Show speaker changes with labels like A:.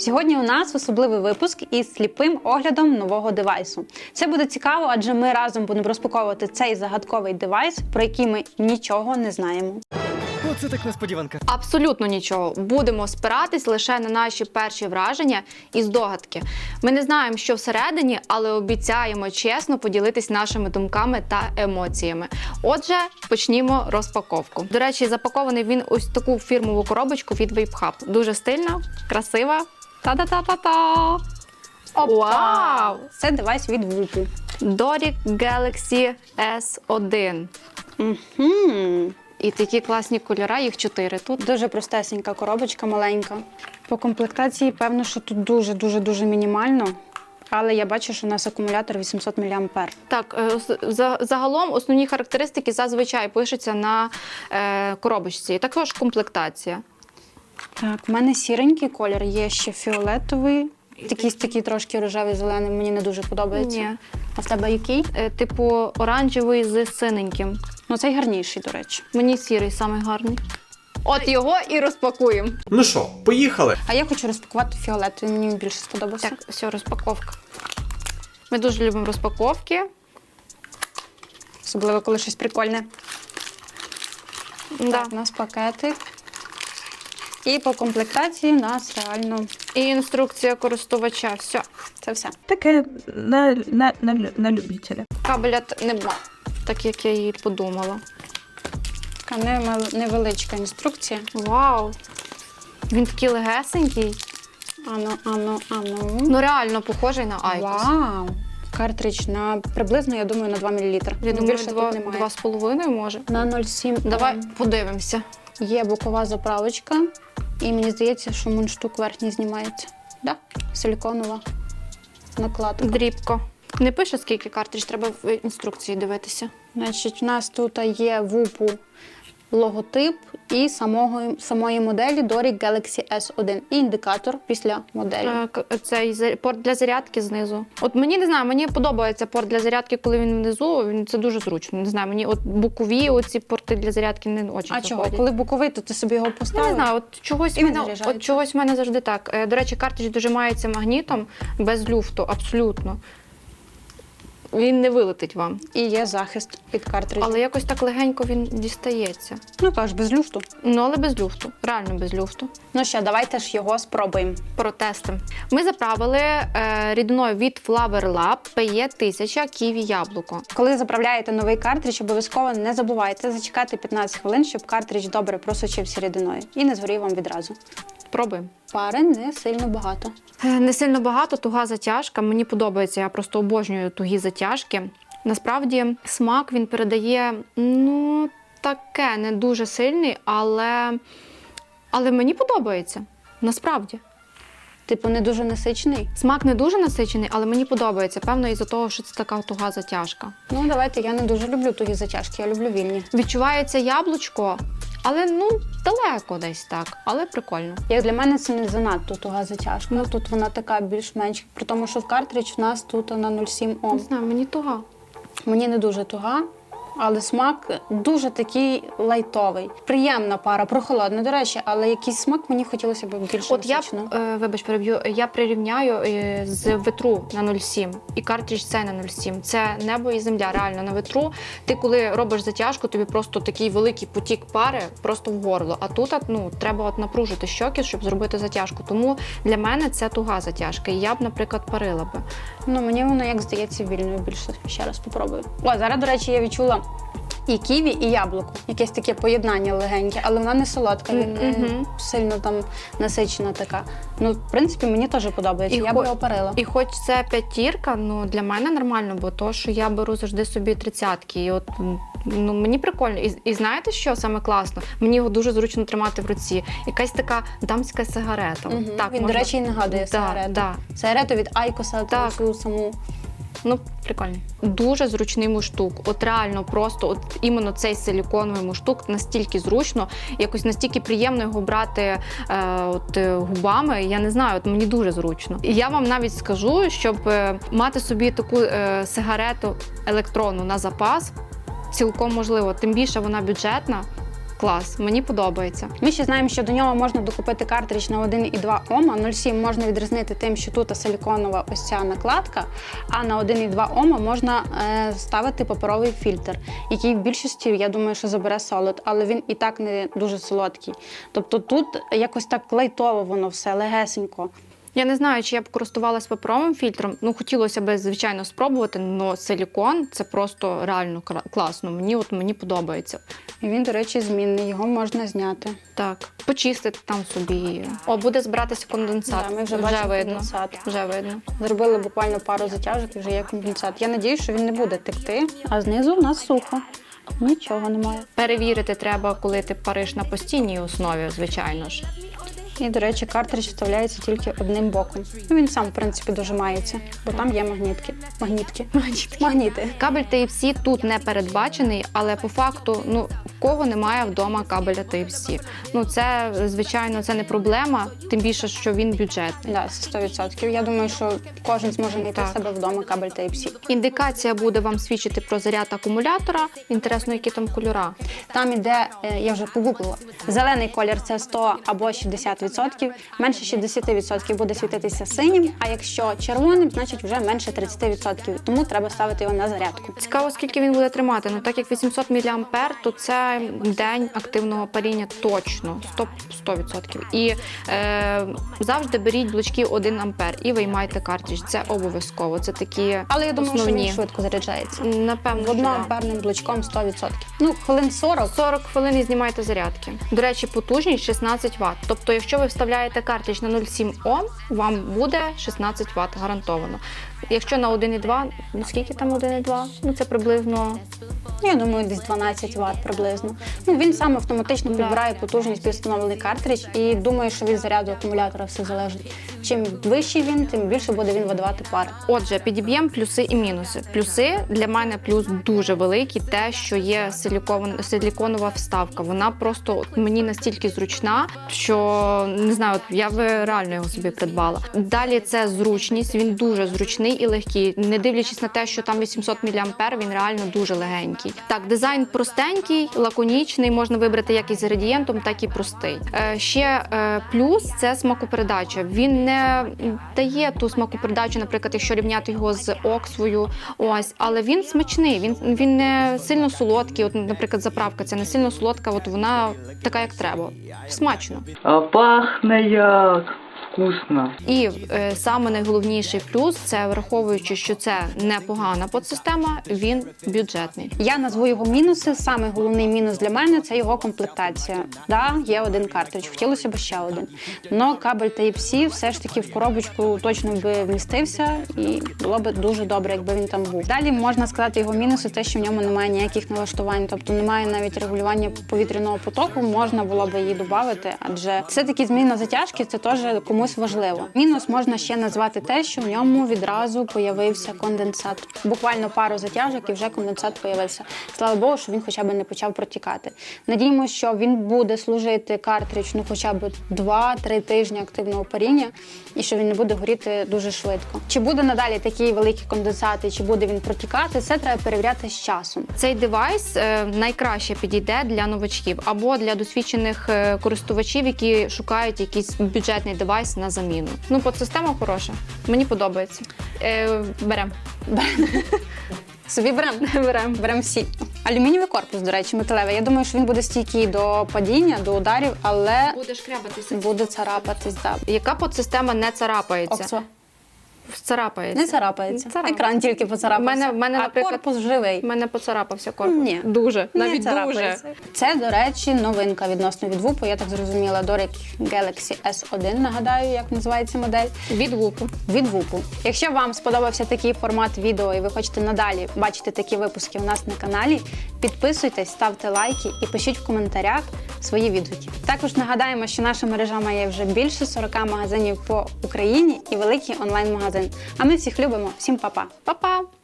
A: Сьогодні у нас особливий випуск із сліпим оглядом нового девайсу. Це буде цікаво, адже ми разом будемо розпаковувати цей загадковий девайс, про який ми нічого не знаємо.
B: Оце так несподіванка.
C: Абсолютно нічого. Будемо спиратись лише на наші перші враження і здогадки. Ми не знаємо, що всередині, але обіцяємо чесно поділитись нашими думками та емоціями. Отже, почнімо розпаковку. До речі, запакований він ось таку фірмову коробочку від Vape Hub. Дуже стильна, красива. Та-та-та-та-та! Вау!
A: Це девайс від Whoop.
C: Doric Galaxy S1.
A: Угу.
C: І такі класні кольори, їх 4 тут.
A: Дуже простесенька коробочка, маленька. По комплектації, певно, що тут дуже мінімально. Але я бачу, що у нас акумулятор 800 мА.
C: Так, загалом основні характеристики зазвичай пишуться на коробочці. І також комплектація.
A: Так, в мене сіренький колір, є ще фіолетовий. Якийсь такий трошки рожевий, зелений, мені не дуже подобається.
C: Ні.
A: А в тебе який?
C: Типу оранжевий з синеньким.
A: Ну, цей гарніший, до речі.
C: Мені сірий самий гарний. От його і розпакуємо.
D: Ну що, поїхали?
A: А я хочу розпакувати фіолетовий, мені він більше сподобався.
C: Так, все, розпаковка. Ми дуже любимо розпаковки.
A: Особливо, коли щось прикольне.
C: Да.
A: Так, у нас пакетик. І по комплектації у нас реально
C: І інструкція користувача. Все.
A: це все.
E: Таке на любителя.
C: Кабеля нема, так як я її подумала.
A: Така невеличка інструкція.
C: Вау! Він такий легесенький.
A: Ану.
C: Ну реально похожий на Айкос.
A: Вау! Картридж на приблизно, я думаю, на 2 мл.
C: Я думаю,
A: більше тут немає.
C: 2,5 може.
A: На 0,7
C: Давай подивимося.
A: є бокова заправочка. І мені здається, що мундштук верхній знімається. Да? Силіконова накладка.
C: Дрібко. Не пише, скільки картридж, треба в інструкції дивитися.
A: Значить, у нас тут є Whoop логотип і самої моделі Doric Galaxy S1. І індикатор після моделі.
C: Цей порт для зарядки знизу. От мені, не знаю, мені подобається порт для зарядки, коли він внизу, це дуже зручно. Не знаю, мені от бокові оці порти для зарядки не дуже
A: А чого?
C: заходять.
A: Коли боковий, то ти собі його
C: Я
A: поставив?
C: не знаю, от чогось в мене завжди так. До речі, картридж дожимається магнітом без люфту, абсолютно. Він не вилетить вам.
A: І є захист під картриджем.
C: Але якось так легенько він дістається.
A: Ну, кажеш, без люфту.
C: Ну, але без люфту. Реально без люфту.
A: Ну що, давайте ж його спробуємо.
C: Протестимо. Ми заправили рідиною від Flower Lab PE1000 ківі яблуко.
A: Коли заправляєте новий картридж, обов'язково не забувайте зачекати 15 хвилин, щоб картридж добре просочився рідиною. І не згорів вам відразу.
C: Пробуємо.
A: Пари не сильно багато.
C: Не сильно багато, туга затяжка. Мені подобається, я просто обожнюю тугі затяжки. Насправді, смак він передає, ну, таке, не дуже сильний, але мені подобається. Насправді.
A: Типу, не дуже насичений.
C: Смак не дуже насичений, але мені подобається. Певно, із-за того, що це така туга затяжка.
A: Ну, давайте, я не дуже люблю тугі затяжки, я люблю вільні.
C: Відчувається яблучко, але, ну, далеко десь так, але прикольно.
A: Як для мене це не занадто туга затяжка. Ну, тут вона така більш-менш, при тому, що в картридж у нас тут на 0,7
C: Не
A: Ом.
C: знаю, мені туга.
A: Мені не дуже туга, але смак дуже такий лайтовий. Приємна пара, прохолодна, до речі, але якийсь смак мені хотілося б більше
C: От я,
A: насичено.
C: вибач, переб'ю, я прирівняю з ветру на 0,7 і картридж цей на 0,7. Це небо і земля, реально, на ветру. Ти коли робиш затяжку, тобі просто такий великий потік пари просто в горло. А тут, ну, треба от напружити щоки, щоб зробити затяжку. Тому для мене це туга затяжка. І я б, наприклад, парила би.
A: Ну, мені воно, як здається, вільною більше. Ще раз попробую. О, зараз, до речі, я відчула і ківі, і яблуко. Якесь таке поєднання легеньке, але вона не солодка, не сильно там насичена така. Ну, в принципі, мені теж подобається, я б його парила.
C: І хоч це п'ятірка, ну, для мене нормально, бо то, що я беру завжди собі 30-ки. І от, ну, мені прикольно. І знаєте, що саме класно? Мені його дуже зручно тримати в руці. Якась така дамська сигарета. Так,
A: Він,
C: можна...
A: до речі, і нагадує сигарету.
C: Да.
A: Сигарету від Айкоса,
C: Так.
A: цю саму.
C: Ну, прикольний. Дуже зручний мундштук. От реально просто, от іменно цей силіконовий мундштук настільки зручно, якось настільки приємно його брати губами. Я не знаю, от мені дуже зручно. І я вам навіть скажу, щоб мати собі таку сигарету електронну на запас, цілком можливо. Тим більше вона бюджетна. Клас, мені подобається.
A: Ми ще знаємо, що до нього можна докупити картридж на 1,2 Ома. 0,7 можна відрізнити тим, що тут силіконова ось ця накладка, а на 1,2 Ома можна ставити паперовий фільтр, який в більшості, я думаю, що забере солод, але він і так не дуже солодкий. Тобто тут якось так лайтово воно все, легесенько.
C: Я не знаю, чи я б користувалась паперовим фільтром. Ну, хотілося б, звичайно, спробувати, але силікон – це просто реально класно. Мені подобається.
A: І він, до речі, змінний, його можна зняти.
C: Так, почистити там собі. О, буде збиратися конденсат.
A: Да, ми вже бачимо
C: видно.
A: конденсат.
C: Вже видно.
A: Зробили буквально пару затяжок і вже є конденсат. Я надію, що він не буде текти, а знизу в нас сухо. Нічого немає.
C: Перевірити треба, коли ти париш на постійній основі, звичайно ж.
A: І, до речі, картридж вставляється тільки одним боком. Ну, він сам, в принципі, дожимається, бо там є магніти.
C: Кабель Type-C тут не передбачений, але по факту, в кого немає вдома кабеля Type-C. Це, звичайно, це не проблема, тим більше, що він бюджетний.
A: Да, це 100%. Я думаю, що кожен зможе знайти в себе вдома кабель Type-C.
C: Індикація буде вам свідчити про заряд акумулятора. Інтересно, які там кольора.
A: Там іде, я вже погуглила, зелений колір – це 100 або 60%, менше 60% буде світитися синім, а якщо червоним, значить вже менше 30%, тому треба ставити його на зарядку.
C: Цікаво, скільки він буде тримати. Так як 800 мА, то це день активного паріння точно, 100%. І завжди беріть блочки 1 А і виймайте картридж. Це обов'язково. Це такі
A: Але я думаю,
C: основні.
A: що він швидко заряджається.
C: Напевно, що
A: Одноамперним блочком 100%. Хвилин 40.
C: 40 хвилин і знімайте зарядки. До речі, потужність 16 Вт. Тобто, якщо ви вставляєте картридж на 0,7 Ом, вам буде 16 Вт гарантовано. Якщо на 1,2, скільки там 1,2? Це приблизно...
A: Я думаю, десь 12 Вт приблизно. Він сам автоматично підбирає потужність під встановлений картридж і думаю, що від заряду акумулятора все залежить. Чим вищий він, тим більше буде він видавати пари.
C: Отже, підіб'ємо плюси і мінуси. Плюси для мене плюс дуже великий, те, що є силіконова вставка. Вона просто мені настільки зручна, що, не знаю, я би реально його собі придбала. Далі це зручність, він дуже зручний і легкий. Не дивлячись на те, що там 800 мА, він реально дуже легенький. Так, дизайн простенький, лаконічний, можна вибрати як із градієнтом, так і простий. Ще плюс – це смакопередача. Він не дає ту смакопередачу, наприклад, якщо рівняти його з Оксвою, але він смачний, він не сильно солодкий. Наприклад, заправка ця не сильно солодка, вона така, як треба. Смачно.
E: А пахне як вкусно.
C: І саме найголовніший плюс – це враховуючи, що це непогана подсистема, він бюджетний.
A: Я назву його мінуси. Саме головний мінус для мене – це його комплектація. Да, є один картридж, хотілося б ще один. Но кабель Type-C все ж таки в коробочку точно би вмістився і було б дуже добре, якби він там був. Далі можна сказати його мінуси, те, що в ньому немає ніяких налаштувань, тобто немає навіть регулювання повітряного потоку, можна було б її додати, адже все-таки зміна затяжки – це теж комусь важливо. Мінус можна ще назвати те, що в ньому відразу появився конденсат. Буквально пару затяжок і вже конденсат появився. Слава Богу, що він хоча б не почав протікати. Надіємося, що він буде служити картридж хоча б 2-3 тижні активного паріння і що він не буде горіти дуже швидко. Чи буде надалі такі великі конденсати, чи буде він протікати, це треба перевіряти з часом.
C: Цей девайс найкраще підійде для новачків або для досвідчених користувачів, які шукають якийсь бюджетний девайс на заміну. Подсистема хороша. Мені подобається. Беремо.
A: Собі беремо всі. Алюмінієвий корпус, до речі, металевий. Я думаю, що він буде стійкий до падіння, до ударів, але
C: Буде шкрябатися.
A: буде царапатись. Да.
C: Яка подсистема не царапається?
A: Оксо.
C: Царапається.
A: Не царапається.
C: Не царапається.
A: Екран тільки поцарапався.
C: В мене,
A: а
C: наприклад,
A: корпус живий.
C: У мене поцарапався корпус.
A: Ні.
C: Дуже.
A: Не
C: Навіть дуже.
A: царапається. Це, до речі, новинка відносно від Whoop. Я так зрозуміла, Doric Galaxy S1, нагадаю, як називається модель.
C: Від Whoop.
A: Від Whoop. Якщо вам сподобався такий формат відео і ви хочете надалі бачити такі випуски у нас на каналі, підписуйтесь, ставте лайки і пишіть в коментарях свої відгуки. Також нагадаємо, що наша мережа має вже більше 40 магазинів по Україні і великий онлайн-магазин. А ми всіх любимо. Всім па-па!
C: Па-па!